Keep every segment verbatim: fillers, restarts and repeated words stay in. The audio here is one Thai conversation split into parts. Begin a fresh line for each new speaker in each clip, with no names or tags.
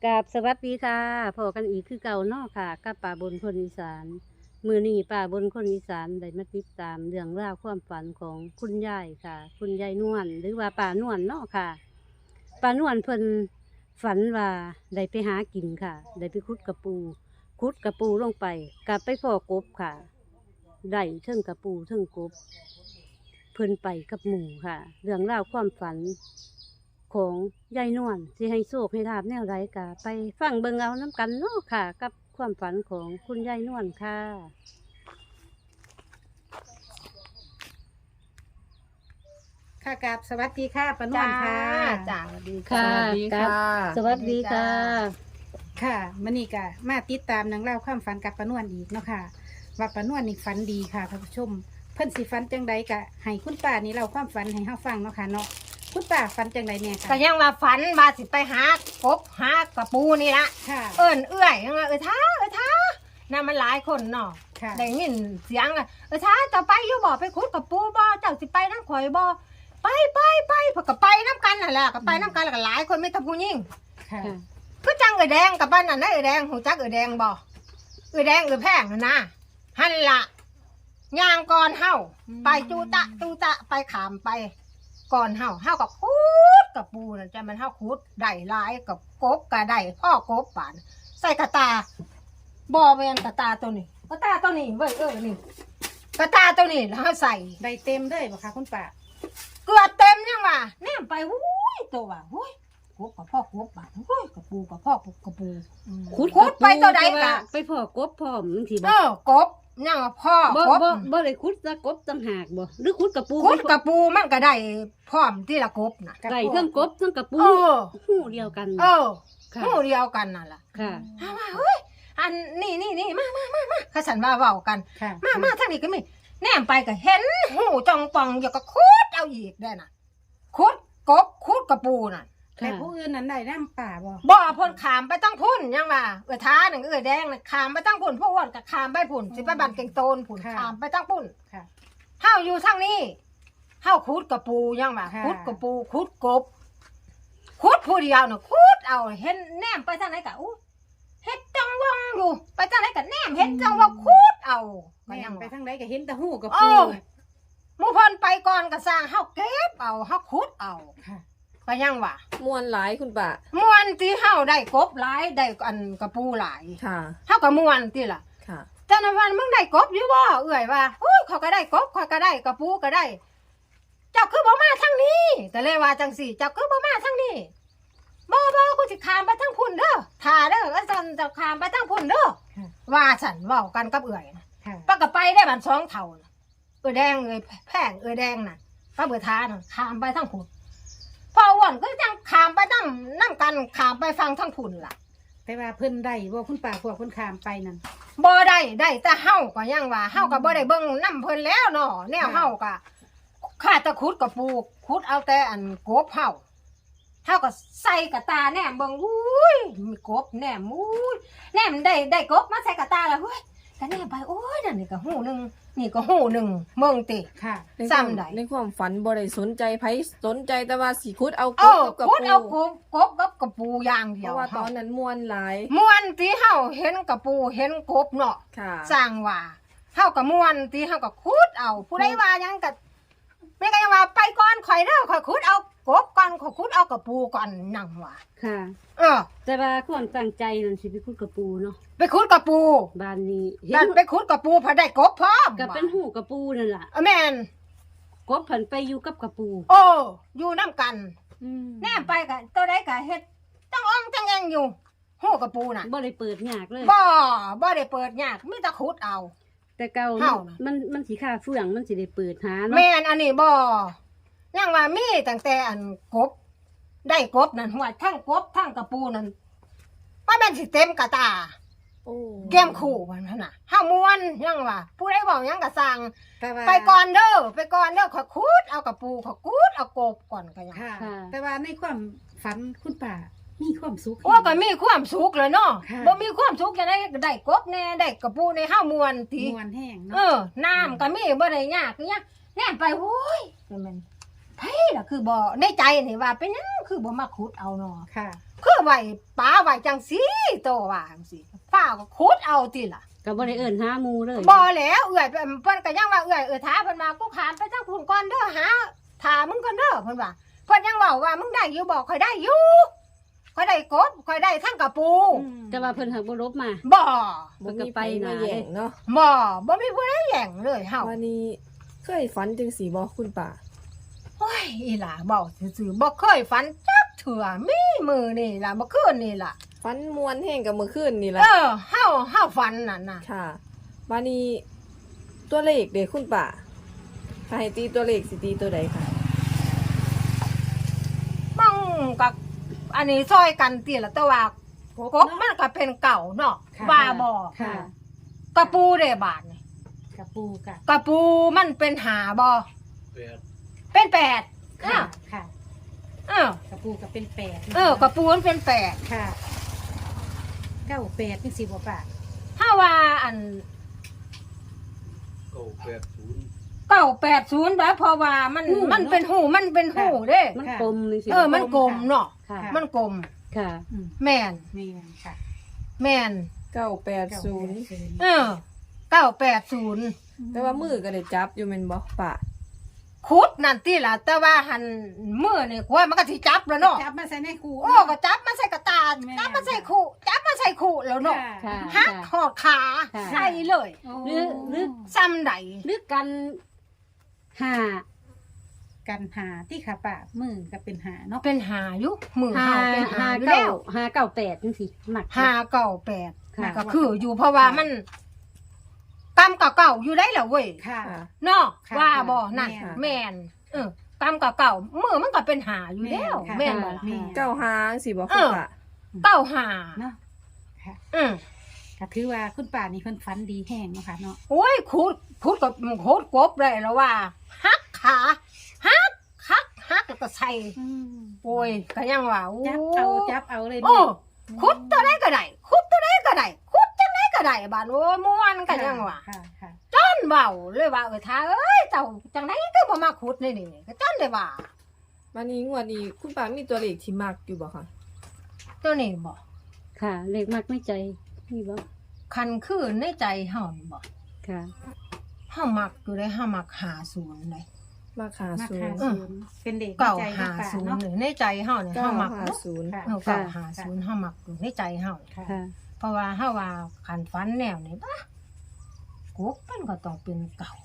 กราบสวัสดีค่ะพอกันอีกคือเก่าเนาะค่ะกับป่าบนคนอีสานมือนี้ป่าบนคนอีสานได้มาติดตามเรื่องราวความฝันของคุณยายค่ะ คุณยายนวลหรือว่าป่านวลเนาะค่ะป่านวลเพิ่นฝันว่าได้ไปหากินค่ะได้ไปคุดกระปูคุดกระปูลงไปกลับไปพ่อกบค่ะได้เทิงกระปูเทิงกบเพิ่นไปกับหมู่ค่ะ เรื่องราวความฝันของยายนวลที่ให้โชคให้ลาบแนวไรกะไปฟังเบิ่งเอาน้ำกันเนาะค่ะ กับความฝันของคุณยายนวลค่ะ
ค่ะกับสวัสดีค่ะปานวลค่ะ
จ้าสวัสดี
ค่ะ
สวัสดีค่ะ
สวัสดีค่ะ
ค่ะมื้อนี้ก็มาติดตามหนังเล่าความฝันกับปานวลอีกเนาะค่ะว่าปานวลนี่ฝันดีค่ะท่านผู้ชมเพิ่นสิฝันจังใดก็ให้คุณป้านี่เล่าความฝันให้เฮาฟังเนาะค่ะเนาะคุณป้าฝันจังใดเนี่ย
ก็
ค่ะ
ยังว่าฝันมาสิไปหากบหากระปูนี่ละ
ค่ะ
เอิ้นเอื้อยยังว่าเอ้ยท้าเอ้ยท้าน่ะมันหลายคนเนาะ
ค่ะ
ได้ยินเสียงอะเอ้ยท้าจะไปอยู่บ่ไปขุดกระปูบ่เจ้าสิไปนำข่อยบ่ไปไปไปเพิ่นก็ไปนํกันนั่นแหละก็ไปนํกันแล้วก็หลายคนมีแต่ผู้หญิง
ค่ะ
คือจังเอ้ยแดงกับบ้านนั่นนะเอ้ยแดงหูจักเอ้ยแดงบ่เอ้ยแดงเอ้ยแพงนั่นนะหั่นล่ะย่างก่อนเฮาไปจูตะจูตะไปขามไป ก่อนเฮาเฮากับคุดกับปูนั่นจะมันเฮาคุดได้หลายกับกบก็ได้พ่อกบป่านใส่กระตาบ่แม่นกระตาตัวนี้กระตาตัวนี้เว้ยเออนี่กระตาตัวนี้แล้วเฮาใส่
ได้เต็มเลยบ่คะคุณป้า
เกลือเต็มยังว่าแนมไปหุ้ยตัวว่าหุ้ยกบกับพ่อกบป่านหุ้ยกับปูกับพ่อกบกับปู
คุด
คุดไปตัวใดกะ
ไปพ่อกบพร้อมจังซี่
เอ
บ่
อกบยังว่าพ่อ
บ่
กบ
บ่บ่ได้คุดซะกบต่างหากบ่หรือคุดกระปู
คุดกับปูมันก็ได้พร้อมที่ละกบน่ะ
ไก่เครื่องกบเครื่องกระปู
เออ
หูเดียวกัน
เออ
ค่ะ
หมู่เดียวกันนั่นล่ะ
ค่ะ
ถามว่าเฮ้ยอันนี่นี่นี่มามามามาข้าสันว่าเว้ากัน
ค่ะ
มามาทางนี้ก็มีแนมไปก็เห็นหูจองปองอยู่ก็คุดเอาอีกได้น่ะคุดกบคุดกระปูน่ะ
แต่ผู้อื่นนั้นได้น้ำป่าบ่
บ่พ่นขามไปตั้งพุ่นยังว่าเออท้าหนึ่งเออแดงน่ะขามไปตั้งพุ่นพวกอ้วนก็ขามไปพุ่นสิไปบันเก่งโตนพุ่นขามไปตั้งพุ่น
ค่ะ
เฮาอยู่ทางนี้เฮาคุดกระปูยังว่า
ค่ะ
คุดกระปูคุดกบคุดผู้เดียวน่ะคุดเอาเห็นแนมไปทางไหนก็อู้เฮ็ดจังวังอยู่ไปทางไหนก็แนมเฮ็ดจังว่าคุดเอาก็
แม่
ยัง
นไป
ว่า
ทางใดก็เห็นแต่หูกับ
เอ
ปู
อ หมู่เพิ่นไปก่อนก็สร้างเฮาเก็บเอาเฮาขุดเอา
ค่ะ
ก็ยังว่า
มวนหลายคุณป้า
ม่วนที่เฮาได้กบหลายได้อันกระปูหลาย
ค่ะ
เฮาก็ม่วนติล่ะ
ค่ะ
แต่ในวันมึงได้กบอยู่บ่เอื้อยว่าโอ้ยเขาก็ได้กบเขาก็ได้กระปูก็ได้ เจ้าคือบ่มาทางนี้ก็เลยว่าจังสี่ เจ้าคือบ่มาทางนี้บ่บ่กูสิข้ามไปทางพุ่นเด้อท่าเด้ออาจารย์จะข้ามไปทางพุ่นเด้อ
ค่ะ
ว่าฉันเว้ากันกับเอื้อยนะ
ค่ะ
ป้าก็ไปได้บันสองเท่าน่ะเออแดงเอ้ยแพงเออแดงน่ะป้าเบื่อท้าน่ะขามไปทั้งผุนพออ้วนก็ยังขามไปนั่งนั่งกันขามไปฟังทั้งผุนล่ะ
แต่ว่าเพิ่นได้บ่คุณป้าพวกเพิ่นขามไปนั่น
บ่ได้ได้แต่เฮาก็ยังว่าเฮาก็บ่ได้เบิ่งน้ำเพิ่นแล้วเนาะแนวเฮาก็ข้าแตะขุดกับปลูกขุดเอาแต่อันกบเฮาเฮาก็ใส่กระตาแหนมเบิ่งอุ้ยมีกบแหนมอุ้ยแหนมได้ได้กบมาใส่กระตาแล้วเฮ้ยก็แหนมไปโอ้ยนั่นนี่ก็หูหนึงนี่ก็หูหนึงเบิ่งติ
ค่ะ
ในความ
ซ้ำใด
ในความฝันบ่ได้สนใจไผสนใจแต่ว่าสิคุดเอา
เอก อบ
กับ
ขุดเอา
ปู
กบกบกับกระปูอย่างเดี
เพ
ยว
ราะว่าตอนนั้นมวนหลาย
ม่วนที่เฮาเห็นกระปูเห็นกบเนาะ
ค่ะ
สร้างว่าเฮาก็ม่วนที่เฮาก็ขุดเอาผู้ใดว่าหยังก็แม่ก็ยังว่าไปก่อนข่อยเด้อข่อยขุดเอากบก่อนข่อยขุดเอากระปูก่อนนั่งว่า
ค่ะ
เออ
แต่ว่าความตั้งใจนั่นสิไปคุดกระปูเนาะ
ไปขุดกระปู
บ้านนี้เห็
ดั
น
นไปขุดกระปูพอได้กบพร้อม
ก็เป็นหูกระปูนั่นล่ะ
เออแม่น
กบผันไปอยู่กับกระปู
โอ้อยู่นํกัน
อืม
แน่ไปก็ตัวใดก็เฮ็ดจังอ่องจังแองอยู่หูกระปูน่ะ
บ่ได้เปิดยากเลย
บ่บ่ได้เปิดยากมีแต่ขุดเอา
แต่เก่า
เฮาน่ะ
มันมันสิค่าเฟื่องมันสิได้เปิดหาเนาะ
แม่นอันนี้บ่ยังว่ามีตั้งแต่อันกบ ได้กบนั่นหัวทั้งกบทั้งกระปูนั่นว่าแม่นสิเต็มกระตา
โอ้
แก้มคู่มันหั่นน่ะเฮาม่วนยังว่าผู้ใดเว้าหยังก็สั่ง
แต่ว่า
ไปก่อนเด้อไปก่อนเด้อขอยคูดเอากระปูขอยคูดเอากบก่อนก็ยัง
ค่ะ แต่ว่าในความฝันคุณป้ามีความสุข
โอ้ก็มีความสุขเลยเนาะ
ค่ะ
บ่มีความสุขจะได้ได้กบแน่ได้กระปูในเฮาม่วนติ
มวนแห้ง
เอ
เนาะ
อน้ำก็มีบ่ได้ยากคือหยังแน่ไปโอ้ยมันไผล่ะคือบ่ในใจนี่ว่าเป็นหยังคือบ่มาขุดเอาเนาะ
ค่ะ
คือไว้ป้าไว้จังซี่โตว่าจังซี่ป้าก็ขุดเอาติล่ะ
ก็บ่ได้เอิ้นหาหมู่เลย
บ่แล้วเอื้อยเพิ่นก็ยังว่าเอื้อยเออท้าเพิ่นมากูขามไปทางพุ่นก่อนเด้อหาถามึงก่อนเด้อเพิ่นว่าเพิ่นยังเว้าว่ามึงได้อยู่บ่ค่อยได้อยู่ค่อยได้กบค่อยได้ทั้งกระปู
แต่ว่าเพิ่นหักบ่ลบมา
บ่
บ่มี
ไป
ไป
นะ
มาแย่งเนาะ
บ่บ่มีผู้ใดแย่งเลยเฮา
วันนี้เคยฝันจังสีบ่คุณป่า
โอ้ยอีหล่าเว้าซื่อๆบ่เคยฝันจักเถื่อมีมือนี่ล่ะบ่คืนนี่ล่ะ
ฝันมวนแห้งกับเมื่อคืนนี่
เอ
ล่ะ
อเฮาเฮาฝันนั่นน่ะ
ค่ะวันนี้ตัวเลขเด็กคุณป่าถ้าให้ตีตัวเลขสิตีตัวใดค่ะ
บังกับอันนี้ซอยกันติล่ะแต่ว่ากบมันก็เป็นเก่าเนาะ
ค่ะ
ว่าบ่
ค่ะ
กระปูเด้บาดนี่
กระปูกะ
กระปูมันเป็นหาบ่
แปด
เป็นแปด
ค่ะ
อ้าว
ค่ะ
เอ้าว
กระปูก็เป็นแปด
เออกระปูมันเป็นแปด
ค่ะเก้าแปดนี่สิบ่ป่า
ถ้าว่าอัน
เก้าแปดศูนย์
เก้าแปดศูนย์แบบเพราะว่ามันมันเป็นหูมันเป็นหูเด้
มันกลมนี่สิ
เออมันกลมเนาะ
ค่ะ
มันกลม
ค่ะ
อืม
แม่น
นี่ค่ะ
แม่น
เก้าแปดศูนย์
เออเก้าแปดศูนย์
แต่ว่ามือก็ได้จับอยู่แม่นบ่ป่า
คุดนั่นติล่ะแต่ว่าหันมือนี่กว่ามันก็สิจับแล้วเนาะ
จับมาใส่ในคู
โอ้ก็จับมาใส่กระตา
แม่
จับมาใส่คู่จับมาใส่คู่แล้วเนาะ
ค่ะ
หักหอดขา
ค่ะ
ใส่เลย
หรือหรือ
ซ้ำใด
หรือกันหา
กันหาที่ขาป่ามือก็เป็นหาเนาะ
เป็นหาอยู่มือ
หา
เฮาเป็นหา
หา
อยู่
เก้า
แล้ว
หาเก้าแปดจังซี่มัก
หาเก่าแปด
ค่ะ
ก็คืออยู่เพราะว่ามันกำกับเก่าอยู่ได้แล้วเว้ย
ค่ะ
ค่ะ
เนาะ
ค่ะ
ว่าบ่นั่น
แม่น
แม่นเออกำกับเก่ามือมันก็เป็นหาอยู่แล้ว
แม่
แม่น
น
บ่
ค่ะ
ล่ะ
แม่
เก้าหางสิบ่
เอ
คุณ
อ
ป่า
เก้าหา
เนาะค่ะ
อืม
ก็ถือว่าคุณป่านี่เพิ่นฝันดีแห้งเนาะค่ะเนาะ
โอ้ยขุดขุดกับขุดกบได้แล้วว่าหักขาหักหักหักแล้วก็ใส่โอ้ยก็ยังว่าโอ้
จับเอาจับเอาเลย
โอ้ขุดตัวใดก็ได้ขุดตัวใดก็ได้ขุดจังไดก็ได้บาดโอ้ยม่วนก็ยังว่า
ค่ะค่ะ
จ้อนเบาเลยว่าเออท้าเอ้ยเจ้าจังไดก็บ่มาขุดนี่นี่ก็จ้อนได้ว่า
วันนี้งวดนี้คุณป่ามีตัวเลขที่มักอยู่บ่คะ
ตัวนี้บ่
ค่ะ เลขมักไม่ใจนี่บ่
คันคือในใจเฮานี่บ่
ค่ะ
เฮามักอยู่ได้เฮามักหาศูนย์เลย
มักหา
มา
ศู
หาน
ย์
ศูนย์เป็นเด็ก
เก่า
ใจ
หา
ป่า
ศูนย์
เนาะ
นี่ในใจเฮานี่
เก้า
เฮามัก
หาศูนย์
ค่ะ
เออเก่าหาศูนย์เฮามักอยู่ในใจเฮา
ค่ะ
ค่ะ
เพราะว่าเฮาว่าคันฝันแนวนี้ปะกบมันก็ต้องเป็นเก่า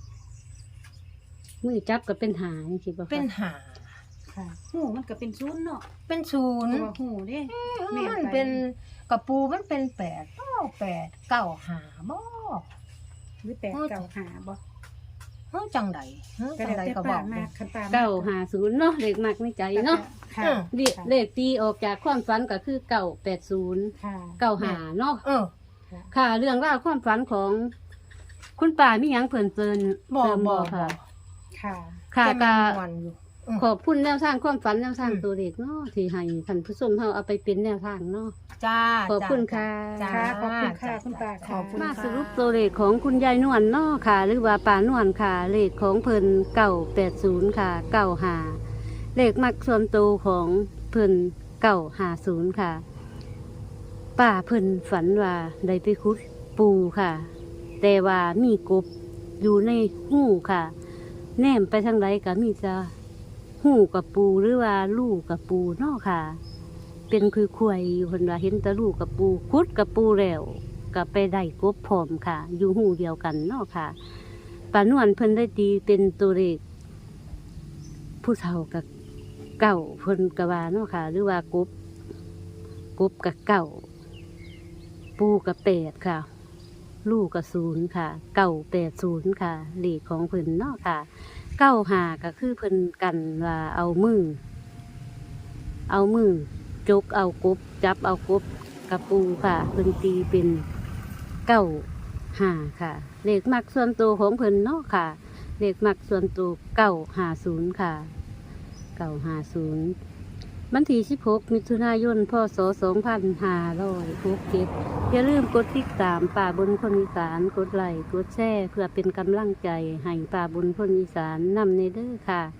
มือจับก็เป็นหาจังซี่บ่คะ
เป็นหา
ค่ะหูมันก็เป็นศูนย์เนาะ
เป็นศูน
เพ
ย์
ราะว่าหูเด้แม่
มัน
ไป
เป็นกระปูมันเป็นแปดเก้าแปดเก้าหาบ่
หรือแปดเก่าหาบ่
เฮาจังใดเฮา
ก็
จัง
แล้ว
ใด
แต่
ก็บ
ป่า
อก
มา
บ่
คันป่า
เก้าหาศูนย์เนาะเลขมักไม่ใจเนาะ
ค่ะ
อืม
เลขเลขตีออกจากความฝันก็คือเก้าแปดศูนย์
ค่ะ
เก้าหาเนาะ
เออ
ค่ะ เรื่องราวความฝันของ คุณป่ามีหยังเพิ่นเติน
บ่
เติม
บ่
บ่
บ่
ค่ะ
ค่ะ
ค่ะ
แต่
ก็
มันม่วนอยู่อืม
ขอบคุณแนวทางความฝันแนวทาง
อืม
ตัวเลขเนาะที่ให้ท่านผู้ชมเฮาเอาไปเป็นแนวทางเนาะ
จ้า
ขอบคุณ
จ้า
ค่ะ
จ้า
ค่ะขอบคุณค่ะคุณป่า
ขอบคุณ
มา
ค่ะ
สรุปตัวเลขของคุณยายนวลเนาะค่ะ หรือว่าป่านวลค่ะ เลขของเพิ่นเก้าแปดศูนย์ค่ะเก้าหาเลขมักส่วนตัวของเพิ่นเก้าหาศูนย์ค่ะป้าเพิ่นฝันว่าได้ไปคุดปูค่ะ แต่ว่ามีกบอยู่ในหูค่ะ แนมไปทางใดก็มีจะหูกับปูหรือว่าลูกกับปูเนาะค่ะ เป็นคือควยอยู่เพิ่นว่าเห็นแต่ลูกกับปูคุดกับปูแล้วก็ไปได้กบพร้อมค่ะ อยู่หูเดียวกันเนาะค่ะป้านวลเพิ่นได้ตีเป็นตัวเลขผู้เฒ่ากับเก่าเพิ่นกะว่าเนาะค่ะ หรือว่ากบกบกับเก่า ปูกับแปดค่ะ ลูกกับศูนย์ค่ะ เก่าแปดศูนย์ค่ะเลขของเพิ่นเนาะค่ะ เก้าหาก็คือเพิ่นกันว่าเอามือ เอามือจกเอากบ จับเอากบกับปูค่ะเพิ่นตีเป็นเก้าหาค่ะ เลขมักส่วนตัวของเพิ่นเนาะค่ะ เลขมักส่วนตัวเก้าหาศูนย์ค่ะเก้าหาศูนย์วันที่สิบหกมิถุนายนพศสองพันห้าร้อยหกเจ็ดอย่าลืมกดติดตามป่าบนคนอีสานกดไลค์กดแชร์เพื่อเป็นกำลังใจให้ป่าบนคนอีสานนำในเด้อค่ะ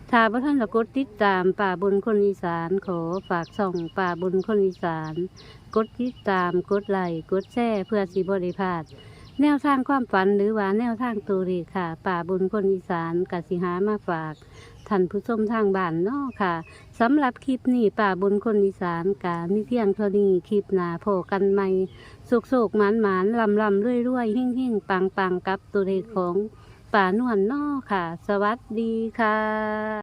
ถ้าบ่ท่านจะกดติดตามป่าบนคนอีสานขอฝากช่องป่าบนคนอีสาน กดติดตามกดไลค์กดแชร์เพื่อสิบ่ได้พลาดแนวทางความฝันหรือว่าแนวทางตัวเลขค่ะ ป่าบนคนอีสานกสิหามาฝากท่านผู้ชมทางบ้านเนาะค่ะสำหรับคลิปนี้ป่าบนคนอีสานกามีเพียงเท่านี้คลิปหน้าพบกันใหม่โศกๆหมานๆลำลำๆรวยๆหิ่งๆปังๆกับตัวเลขของป่านวลเนาะค่ะ สวัสดีค่ะ